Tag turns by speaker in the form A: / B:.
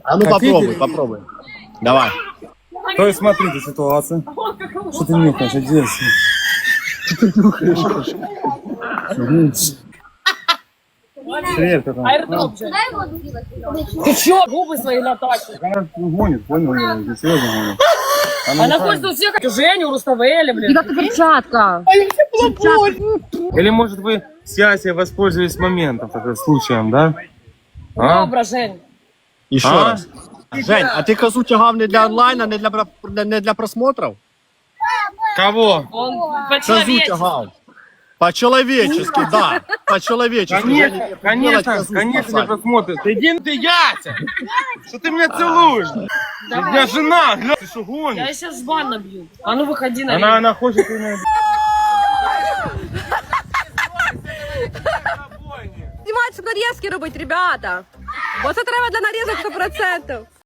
A: А ну попробуй, попробуй. Давай.
B: То есть смотрите ситуация. Что ты нюхаешь, Одесса? Что ты нюхаешь? Привет, как там?
C: Аирдроп же. Ты чё, губы свои натачишь?
B: Она гонит, понял? Здесь серьезно гонит.
C: Она хочет у всех, Женю, Руставели, блин.
D: Как перчатка.
B: Или может вы с Ясей воспользовались моментом, таким случаем, да? А?
C: Добре, Жень.
A: Еще раз. Жень, а ты козу тягав не для онлайна, не для просмотров?
B: Кого?
C: Он
A: Козу
C: по-человечески.
A: тягав. По-человечески, да. По-человечески.
B: Конечно, конечно, конечно, для просмотра. Ты иди, ты Яся! Что ты меня целуешь? У меня жена, гля, ты что
C: Я
B: гонишь?
C: сейчас в бан набью. А ну выходи на
B: Она хочет меня...
D: Знімати, щоб нарізки робити, ребята. Бо це треба для нарізок 100%.